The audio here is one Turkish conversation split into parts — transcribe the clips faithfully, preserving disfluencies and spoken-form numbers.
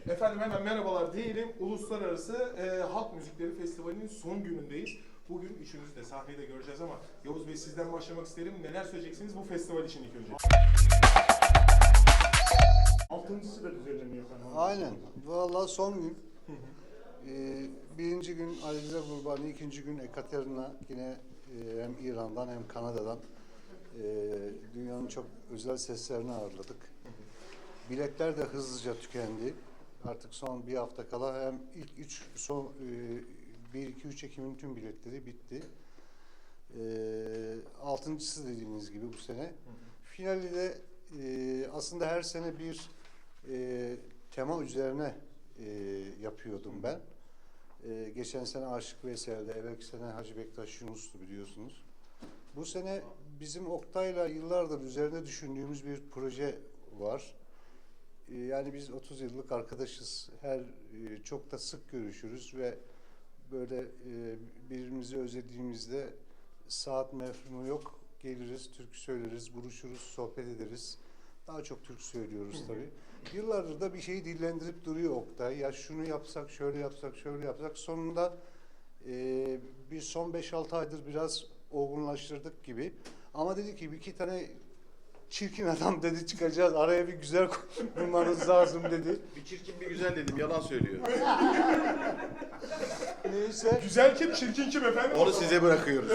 Efendim hemen merhabalar diyelim. Uluslararası e, Halk Müzikleri Festivali'nin son günündeyiz. Bugün üçümüz de sahnede göreceğiz ama Yavuz Bey sizden başlamak isterim. Neler söyleyeceksiniz bu festival için ilk önce? Altıncısı da düzenleniyor efendim. Aynen. Vallahi son gün. Ee, birinci gün Alize Gurbani, ikinci gün Ekaterina yine e, hem İran'dan hem Kanada'dan e, dünyanın çok özel seslerini ağırladık. Biletler de hızlıca tükendi. Artık son bir hafta kala hem ilk üç, son e, bir, iki, üç Ekim'in tüm biletleri bitti. E, altıncısı dediğiniz gibi bu sene. Finali de e, aslında her sene bir e, tema üzerine e, yapıyordum ben. E, geçen sene Aşık Veysel'de, evvelki sene Hacı Bektaş Yunus'tu biliyorsunuz. Bu sene bizim Oktay'la yıllardır üzerine düşündüğümüz bir proje var. E, yani biz otuz yıllık arkadaşız. Her e, çok da sık görüşürüz ve böyle e, birbirimizi özlediğimizde saat mefhumu yok. Geliriz, türkü söyleriz, buluşuruz, sohbet ederiz. Daha çok türkü söylüyoruz tabii. Yıllardır da bir şeyi dillendirip duruyor Oktay. Ya şunu yapsak, şöyle yapsak, şöyle yapsak. Sonunda e, bir son beş altı aydır biraz olgunlaştırdık gibi. Ama dedi ki bir iki tane çirkin adam dedi çıkacağız. Araya bir güzel bulmanız lazım dedi. Bir çirkin bir güzel dedim, yalan söylüyor. Neyse. Güzel kim, çirkin kim efendim? Onu size bırakıyoruz.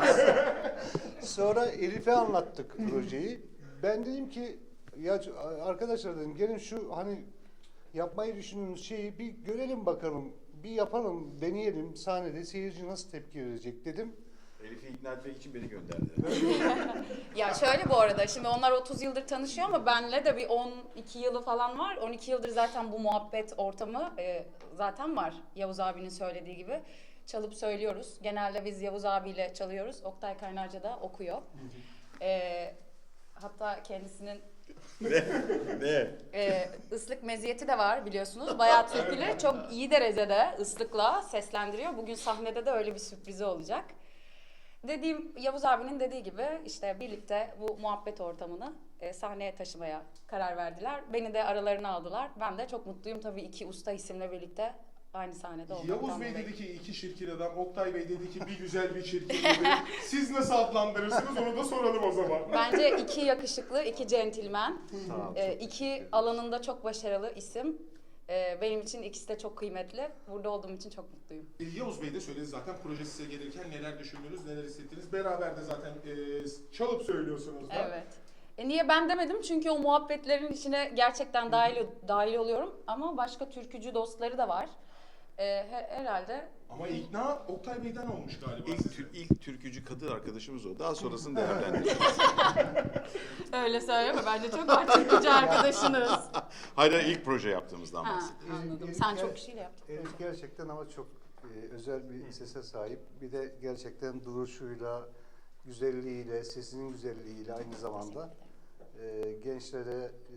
Sonra Elif'e anlattık projeyi. Ben dedim ki ya arkadaşlar dedim gelin şu hani yapmayı düşündüğümüz şeyi bir görelim bakalım. Bir yapalım, deneyelim. Sahnede seyirci nasıl tepki verecek dedim. Elif'i ikna etmek için beni gönderdi. Ya şöyle bu arada, şimdi onlar otuz yıldır tanışıyor ama benle de bir on iki yılı falan var. on iki yıldır zaten bu muhabbet ortamı e, zaten var. Yavuz abinin söylediği gibi. Çalıp söylüyoruz. Genelde biz Yavuz abiyle çalıyoruz. Oktay Kaynarca da okuyor. E, hatta kendisinin Ne? Ne? e, ıslık meziyeti de var biliyorsunuz. Bayağı türküleri çok iyi derecede ıslıkla seslendiriyor. Bugün sahnede de öyle bir sürprizi olacak. Dediğim Yavuz abinin dediği gibi işte birlikte bu muhabbet ortamını e, sahneye taşımaya karar verdiler. Beni de aralarına aldılar. Ben de çok mutluyum tabii iki usta isimle birlikte aynı sahnede olmaktan. Yavuz Bey dolayı. dedi ki iki çirkin adam, Oktay Bey dedi ki bir güzel bir çirkin dedi. Siz nasıl adlandırırsınız onu da soralım o zaman. Bence iki yakışıklı, iki centilmen, e, iki alanında çok başarılı isim. E, benim için ikisi de çok kıymetli. Burada olduğum için çok mutluyum. E, Yavuz Bey de söyledi zaten proje size gelirken neler düşündünüz, neler hissettiniz. Beraber de zaten e, çalıp söylüyorsunuz da. Evet. E niye ben demedim? Çünkü o muhabbetlerin içine gerçekten dahil dahil oluyorum. Ama başka türkücü dostları da var. E, he- herhalde. Ama ikna Oktay Bey'den olmuş galiba İlk, size. tür, ilk türkücü kadın arkadaşımız o. Daha sonrasını değerlendireceğiz. Öyle söyleme. Bence çok var türkücü arkadaşınız. Hayır, hayır, ilk proje yaptığımızdan Ha, bahsediyorum. anladım. Elif Sen ger- çok kişiyle yaptın. Elif gerçekten ama çok e, özel bir sese sahip. Bir de gerçekten duruşuyla, güzelliğiyle, sesinin güzelliğiyle aynı zamanda e, gençlere e,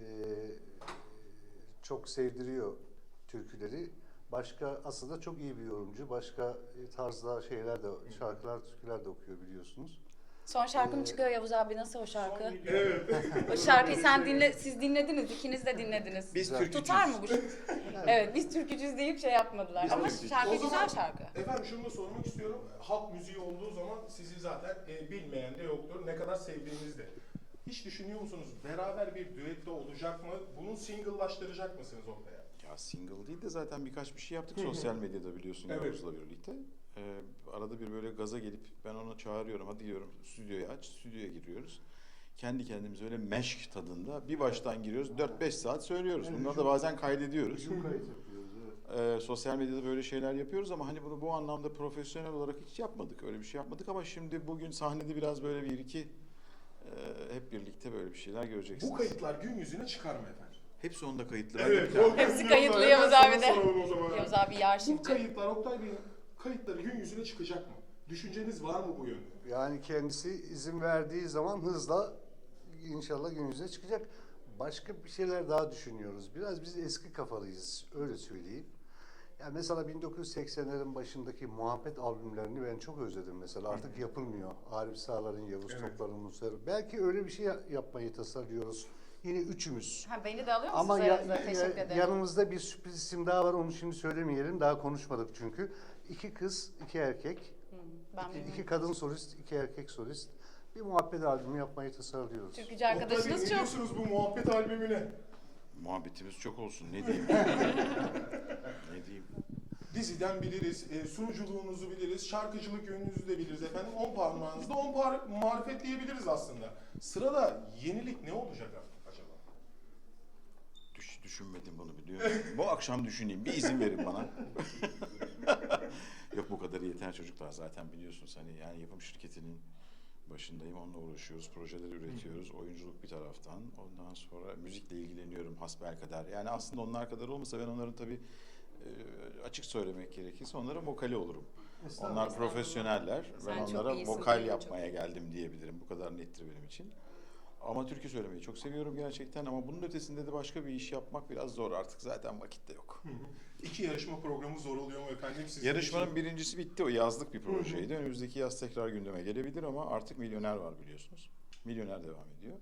çok sevdiriyor türküleri. Başka aslında çok iyi bir yorumcu. Başka tarzda şeyler de, şarkılar, türküler de okuyor biliyorsunuz. Son şarkım çıkıyor Yavuz abi. Nasıl o şarkı? Evet. O şarkıyı sen dinle, siz dinlediniz. İkiniz de dinlediniz. Biz Güzel. türkücüyüz. Tutar mı bu? Evet, biz türkücüyüz deyip şey yapmadılar. Biz Ama türkücüyüz. şarkı O zaman- güzel şarkı. Efendim şunu da sormak istiyorum. Halk müziği olduğu zaman sizi zaten e, bilmeyen de yoktur. Ne kadar sevdiğiniz de. Hiç düşünüyor musunuz? Beraber bir düette olacak mı? Bunu single'laştıracak mısınız ortaya? Ya single değil de zaten birkaç bir şey yaptık sosyal medyada biliyorsun Evet. Yavuz'la birlikte. Ee, arada bir böyle gaza gelip ben onu çağırıyorum, hadi diyorum stüdyoyu aç, stüdyoya giriyoruz. Kendi kendimize öyle meşk tadında bir baştan giriyoruz, dört beş saat söylüyoruz. Bunları da bazen kaydediyoruz. Hücum kayıt yapıyoruz. Evet. Ee, sosyal medyada böyle şeyler yapıyoruz ama hani bunu bu anlamda profesyonel olarak hiç yapmadık. Öyle bir şey yapmadık ama şimdi bugün sahnede biraz böyle bir iki e, hep birlikte böyle bir şeyler göreceksiniz. Bu kayıtlar gün yüzüne çıkar mı efendim? Hepsi onda kayıtlı. Evet. Ben de- o- Hepsi kayıtlı Hemen Yavuz sana abi de. soralım o zaman. Yavuz abi iyi Bu arşivci. kayıtlar Oktay Bey'in kayıtları gün yüzüne çıkacak mı? Düşünceniz var mı bu yönde? Yani kendisi izin verdiği zaman hızla inşallah gün yüzüne çıkacak. Başka bir şeyler daha düşünüyoruz. Biraz biz eski kafalıyız, öyle söyleyeyim. Yani mesela bin dokuz yüz seksenlerin başındaki muhabbet albümlerini ben çok özledim mesela. Artık yapılmıyor. Arif Sağlar'ın, Yavuz Evet. Toplar'ın, Musa'nın. Belki öyle bir şey yapmayı tasarlıyoruz. yine üçümüz. Ha, beni de alıyor musunuz Ama ya, aranıza? ya- Teşekkür ederim. yanımızda bir sürpriz isim daha var, onu şimdi söylemeyelim. Daha konuşmadık çünkü. İki kız, iki erkek. Hı, ben İki, bilmiyorum. iki kadın solist, iki erkek solist. Bir muhabbet albümü yapmayı tasarlıyoruz. Türkücü Oktay Bey, arkadaşınız ne çok. diyorsunuz bu muhabbet albümüne? Muhabbetimiz çok olsun. Ne diyeyim? Ne diyeyim? Diziden biliriz, e, sunuculuğunuzu biliriz, şarkıcılık yönünüzü de biliriz efendim. On parmağınızda on par marifet diyebiliriz aslında. Sırada yenilik ne olacak acaba? Düş, düşünmedim bunu biliyor musun? Bu akşam düşüneyim. Bir izin verin bana. Yok bu kadarı yeter çocuklar zaten biliyorsunuz hani yani yapım şirketinin başındayım. Onunla uğraşıyoruz. Projeler üretiyoruz. Oyunculuk bir taraftan. Ondan sonra müzikle ilgileniyorum hasbelkader. Yani aslında onlar kadar olmasa ben onların tabii e, açık söylemek gerekirse onlara vokali olurum. Onlar profesyoneller. Sen Ben çok onlara iyisin, vokal çok yapmaya geldim diyebilirim. Bu kadar nettir benim için. Ama türkü söylemeyi çok seviyorum gerçekten ama bunun ötesinde de başka bir iş yapmak biraz zor artık zaten vakit de yok. Hı hı. İki yarışma programı zor oluyor mu efendim sizin Yarışmanın için? birincisi bitti o yazlık bir projeydi. Önümüzdeki yaz tekrar gündeme gelebilir ama artık Milyoner var biliyorsunuz. Milyoner devam ediyor.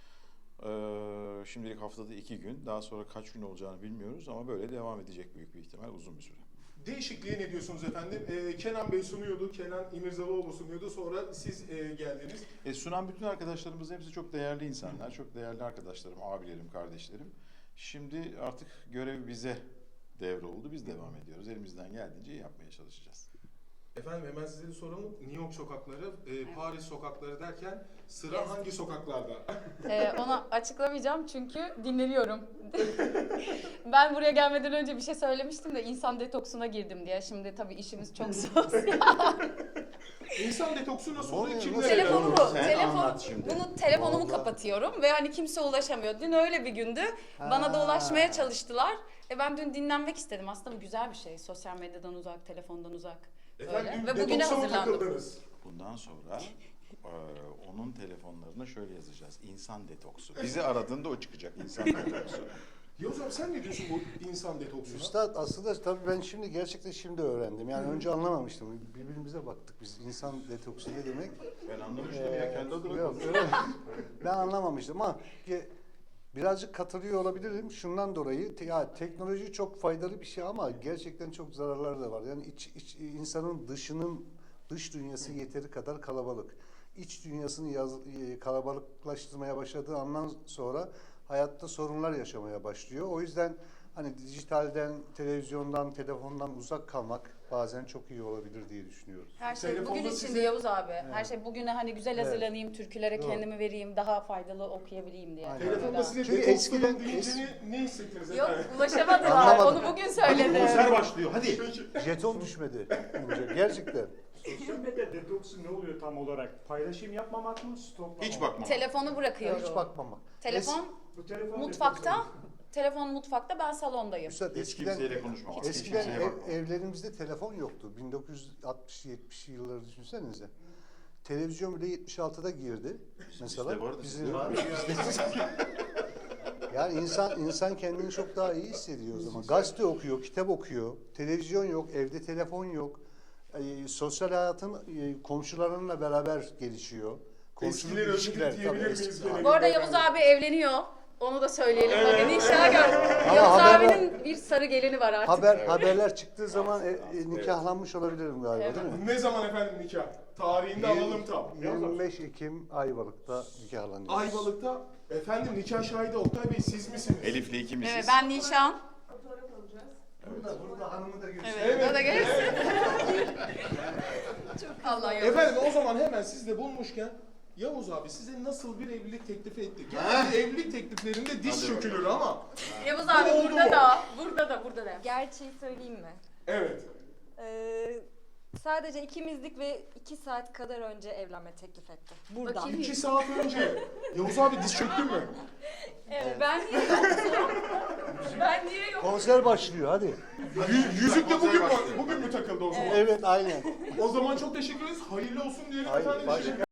Ee, şimdilik haftada iki gün daha sonra kaç gün olacağını bilmiyoruz ama böyle devam edecek büyük bir ihtimal uzun bir süre. Değişikliğe ne diyorsunuz efendim? Ee, Kenan Bey sunuyordu, Kenan İmirzalıoğlu sunuyordu. Sonra siz e, geldiniz. E, sunan bütün arkadaşlarımız hepsi çok değerli insanlar, çok değerli arkadaşlarım, abilerim, kardeşlerim. Şimdi artık görev bize devroldu, biz devam ediyoruz. Elimizden geldiğince yapmaya çalışacağız. Efendim hemen size de soralım. New York sokakları, e, Paris sokakları derken sıra Yes. hangi sokaklarda? Ee, onu açıklamayacağım çünkü dinleniyorum. Ben buraya gelmeden önce bir şey söylemiştim de insan detoksuna girdim diye. Şimdi tabii işimiz çok sosyal. İnsan detoksu nasıl Ne oluyor? oluyor? Kimlere? Nasıl? Telefonumu, Sen telefon, anlat şimdi. bunu telefonumu Vallahi. kapatıyorum ve hani kimse ulaşamıyor. Dün öyle bir gündü. Bana da Ha. ulaşmaya çalıştılar. E ben dün dinlenmek istedim. Aslında bu güzel bir şey. Sosyal medyadan uzak, telefondan uzak. Efendim Öyle. dün Ve bugüne detoksa mı hazırlandım. takıldınız? Bundan sonra e, onun telefonlarına şöyle yazacağız. İnsan detoksu. Bizi aradığında o çıkacak. İnsan detoksu. Yavuz abi sen ne diyorsun bu insan detoksuna? Üstad aslında tabii ben şimdi gerçekten şimdi öğrendim. Yani önce anlamamıştım. Birbirimize baktık biz. İnsan detoksu ne demek? Ben anlamıştım ya kendi adıma Yok, konuşuyorum. öyle. Ben anlamamıştım ama ki birazcık katılıyor olabilirim. Şundan dolayı te- ya teknoloji çok faydalı bir şey ama gerçekten çok zararları da var. Yani iç, iç insanın dışının dış dünyası yeteri kadar kalabalık. İç dünyasını yaz, e, kalabalıklaştırmaya başladığı andan sonra hayatta sorunlar yaşamaya başlıyor. O yüzden hani dijitalden, televizyondan, telefondan uzak kalmak bazen çok iyi olabilir diye düşünüyorum. Her şey Telefonda bugün size- içinde Yavuz abi. Her şey bugüne hani güzel Evet. hazırlanayım, türkülere Doğru. kendimi vereyim, daha faydalı okuyabileyim diye. Aynen. Telefonda size Çünkü detokslayın eskiden- deyince es- ne, ne hissettiniz Yok efendim? ulaşamadılar. Anlamadım. Onu bugün söyledi. başlıyor hadi. Jeton düşmedi önce. Gerçekten. Sosyal medya detoksu ne oluyor tam olarak? Paylaşım yapmamak mı, stoklamak Hiç mı? bakma. Telefonu bırakıyorum. Hiç bakmamak. Telefon Bu telefon mutfakta. detoksu. Telefon mutfakta, ben salondayım. Üstad Hiç eskiden kimseyle konuşmamak. Hiç eskiden kimseye ev- bakmamak. evlerimizde telefon yoktu. bin dokuz yüz altmış yetmişli yılları düşünsenize. Televizyon bile yetmiş altıda girdi. Mesela Bizde vardı, bizim sizde var. yani insan insan kendini çok daha iyi hissediyor o zaman. Gazete okuyor, kitap okuyor. Televizyon yok, evde telefon yok. Ee, sosyal hayatın e, komşularınla beraber gelişiyor. Komşuluk Eskileri ilişkiler, özledik diyebilir tabii, miyiz eski- gene? Bu arada Yavuz abi evleniyor. Onu da söyleyelim. Bakın inşallah gör. Ama Yavuz haber- abinin bir sarı gelini var artık. Haber haberler çıktığı zaman e, e, nikahlanmış olabilirim galiba, Evet. değil mi? Ne zaman efendim nikah? Tarihinde alalım tam. yirmi beş Ekim Ayvalık'ta nikahlanıyoruz. Ayvalık'ta efendim nikah şahidi Oktay Bey siz misiniz? Elif'le ikimiziz. Evet, ben Nişan. Burada, burada hanımı da göster. Evet, evet. Da gelirsin. Çok Allah Yavuz. Efendim o zaman hemen siz de bulmuşken Yavuz abi size nasıl bir evlilik teklifi ettik? Yani evlilik tekliflerinde diş Hadi çökülür ama. Yavuz abi Bu oldu burada mu? da, burada da, burada da. Gerçeği söyleyeyim mi? Evet. Ee, sadece ikimizdik ve iki saat kadar önce evlenme teklif etti. Buradan. Bakayım. İki saat önce. Yavuz abi diş çöktü mü? Evet. Ben niye yoktum? Ben niye yoktum? Konser başlıyor hadi. Yü- yüzük de bugün mü, başlıyor. bugün mü takıldı o zaman? Evet aynen. O zaman çok teşekkür ederiz. Hayırlı olsun diyelim Hayır, efendim. başka-